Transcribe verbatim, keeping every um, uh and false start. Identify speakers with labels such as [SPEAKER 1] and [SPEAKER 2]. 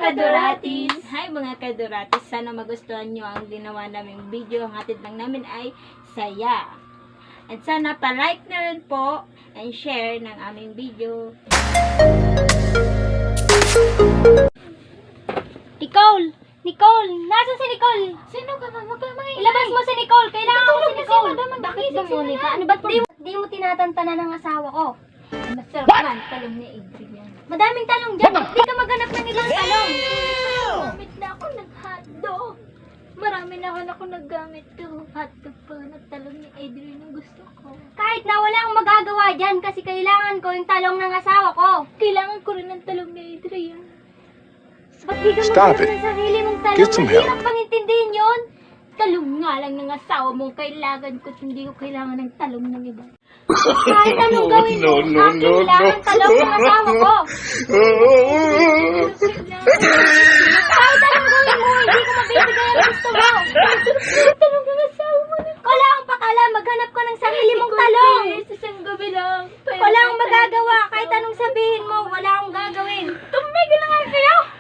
[SPEAKER 1] kaduratis! Hi mga kaduratis! Sana magustuhan nyo ang ginawa naming video. Ang hatid lang namin ay saya. At sana pa-like na rin po and share ng aming video.
[SPEAKER 2] Nicole! Nicole! Nasaan si Nicole?
[SPEAKER 1] Sino ka ba? Magkamay!
[SPEAKER 2] Ilabas mo si Nicole! Kailangan ko si Nicole!
[SPEAKER 1] Bakit
[SPEAKER 2] ba muna ka? Ano ba't di, di mo tinatantanan ng asawa ko?
[SPEAKER 1] Masarap man, talong ni Adrian.
[SPEAKER 2] Madaming talong dyan. Hindi ka maghanap ng ibang talong.
[SPEAKER 1] Gamit na ako nag-hotdog. Marami na ako na ako naggamit to. Hotdog pa na talong ni Adrian ang gusto ko.
[SPEAKER 2] Kahit na wala akong magagawa dyan kasi kailangan ko yung talong ng asawa ko.
[SPEAKER 1] Kailangan ko rin ng talong ni Adrian.
[SPEAKER 2] Ba't di ka
[SPEAKER 3] Stop
[SPEAKER 2] maghanap
[SPEAKER 3] it.
[SPEAKER 2] ng sarili mong talong?
[SPEAKER 3] Get some help.
[SPEAKER 2] Mahirap pang intindihin yun.
[SPEAKER 1] Talong nga lang ng asawa mong kailangan ko. Hindi ko kailangan ng talong ng iba.
[SPEAKER 2] Kahit anong gawin mo,
[SPEAKER 3] no, no,
[SPEAKER 2] akin
[SPEAKER 3] no,
[SPEAKER 2] lang
[SPEAKER 3] no.
[SPEAKER 2] ang talong ng asawa ko. Kahit anong gawin mo, hindi ko mabibigay ang gusto mo.
[SPEAKER 1] Talong ng asawa mo na.
[SPEAKER 2] Wala akong pakala, maghanap ka ng sarili mong talong.
[SPEAKER 1] Sa isang gabi lang.
[SPEAKER 2] Wala akong magagawa, kahit anong sabihin mo, wala akong gagawin.
[SPEAKER 1] Tumigil na nga kayo!